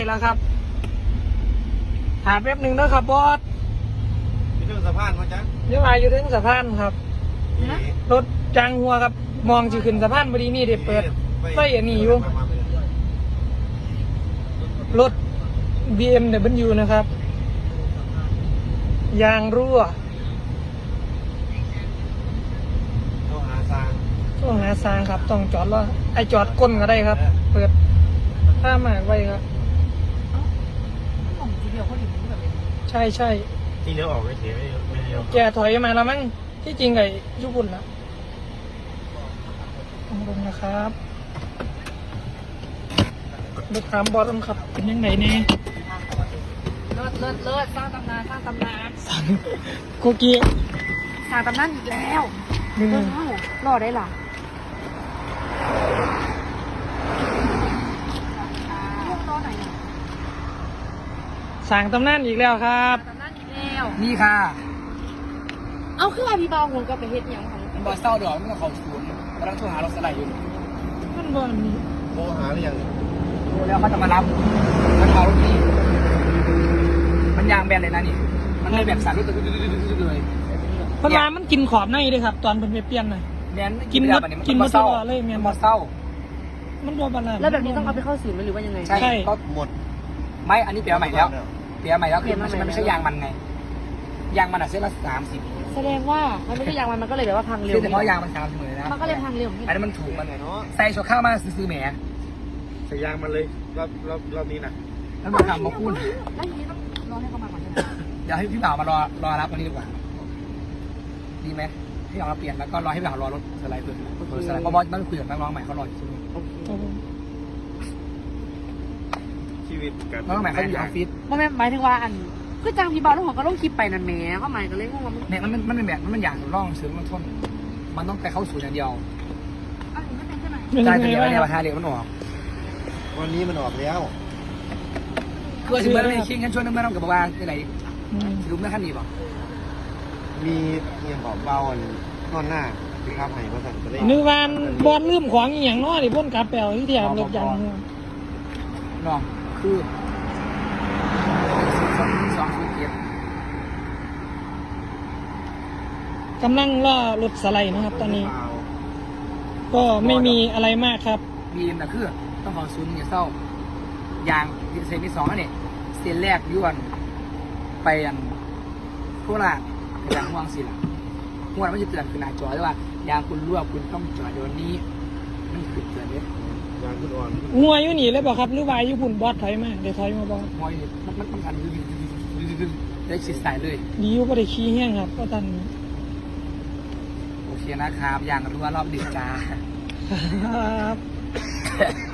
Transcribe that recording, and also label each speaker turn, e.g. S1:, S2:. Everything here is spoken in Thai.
S1: แล้วครับหาแป๊บหนึ่งนะครับบอส
S2: อยู่ถึงสะพานมั้งจ๊ะ
S1: เดี๋ยวมาอยู่ถึงสะพานครับรถจางหัวครับมองจะขึ้นสะพานพอดีนี่เด็เปิดไฟอันนี้อยู่รถ BMW นะครับยางรั่ว
S2: โทรหาซาง
S1: ต้องหาซางครับต้องจอดแล้วไอจอดก้นก็ได้ครับ เปิดถ้ามากไว้ครับใช่ใช่
S2: ที่เลี้ยวออกไม่เสียไม่เลี้ยว
S1: แกถอยมาแล้วมั้งที่จริงไอ้ญี่ปุ่นนะลงนะครับเด็กถามบอสครับเป็นยังไงเนี่ย
S3: เลิศสร้างตำนาน
S1: สั่งโกกี
S3: สร้างตำนานอีกแล้ว
S1: นี่
S3: เลิศเท่ารอได้ล่ะลูกรอไหนเนี่ย
S1: สั่งตำนานอีกแล้วครับ
S3: ตำนานอีกแล้ว
S4: นี่ค่ะ
S3: เอาขึ้นมาพี่เบาหงกับไปเฮ็ดหยังของ
S4: มันบอเศร้าดอกมันก็เขาศูนย์กำลังโทรหาเราสไลด์อยู่
S1: มันบอลนี่
S2: โทรหาหรือยัง
S4: โทรแล้วเขาจะมารับมันเอารถนี่มันยางแบนเลยนะนี่ มันเลยแบบสั่นรถเลย
S1: เพราะว่ามันกินขอบในด้วยครับ ตอนเป็นไปเปลี่ยนน่ะ
S4: แมน
S1: กินหมดตลอดเลยแมน
S4: มันบอเศร้า
S1: มันบอลบาลาน
S3: แล้วแบบนี้ต้องเอาไปเข้าศูนย์ไหมหรือว่ายังไง
S4: ใช่ก็
S2: หมด
S4: ไม่อันนี้เปลี่ยนใหม่แล้วเปลี่ยนใหม่แล้วคือมันไม่ใช่ยางมันไงยางมันอ่ะเส้นละ30
S3: แสดงว่ามันไม่ใช่ยางมันก็เลยแบบว่าพังเร็ว
S4: คือเฉพาะยางมัน30เลยนะ
S3: มันก็เลยพังเร็ว
S4: อันนี้มันถูกมันใส่ชัวข้าวมาซื้อแหม
S2: ใส่ยางมันเลยรอบนี้นะ
S4: แล้วมาทำมาพูด
S3: แล้วทีนี้ต้องรอให้เขามาก่อนใช่ไหม
S4: เดี๋ยวให้พี่บ่าวมารอรับวันนี้ดีกว่าดีไหมพี่บ่าวมาเปลี่ยนแล้วก็รอให้พี่บ่าวรอรถสไลด์เปิดรถสไลด์เพราะบอสต้องคุยกับนักร้องใหม่เขารออยู่ใช่ไหม
S2: ชีวิตกับ
S4: นักร้องใหม่เขาอยู่ออฟฟิศ
S3: มันหมายถึงว่าอันคือจ้างพี่เบาแล้วผมก็ลงคลิปไปนั่นแหมก็หมายก็เลยงงว่ามัน
S4: เนี่ยมันเป็นแบบมันอย่างร่องซื้อมันทนมันต้องไปเข้าสู่อย่างเดียว
S3: อันนี้ไม่เป็นใช่ไหม
S1: เป็น
S4: ใช่
S1: ยัง
S4: แต่
S1: ไง
S4: เดี๋ยว
S1: บ้าง
S4: เนี่ยราคาเดี๋ยวมันออก
S2: วันนี้มันออกแล้ว
S4: คือถึงเมื่อไม่คิงกันช่วงนึงเมื่อเรากับว่าอะไร
S1: อืม
S4: รู้เมื่อขั้นนี้ป่ะ
S2: มีเงียบเบาๆนอนหน้าที่ข้ามให้มาสั่งจะเล่น
S1: นึกว่าบอลลืมของอหย่างน้อยพ่นกาแปลที่แถมรถยางหัว
S4: น้องคือ207
S1: กำลังล่อรถสไลด์นะครับ ตอนนี้ ก็ไม่มีอะไรมากครับ
S4: บีมแต่คือต้องขอศูนย์อย่าเศร้ายางเซนที่2นั่นเนี่ยเซนแรกย้วนไปอันโคราชยางห่วงสิล่ะห่วงมันจะเตือนคือหน้าจอด้วยว่ายางคุณรั่วคุณต้องจอดเดี๋ยวนี้มันคือเตือนเนี่ย
S2: ยางคุณอ่อน
S1: งัวอยู่นี่เลยบอกครับหรือว่าญี่ปุ่นบอสถอยมาเดี๋ยวถอยมาบอส
S4: มอยมันทันได้ชิดสายเลย
S1: ดีอยู่ก็ได้ขี้แห้งครับก็ตัน
S4: โอเคนะครับยางรั่วรอบดึกจ้า
S1: ครับ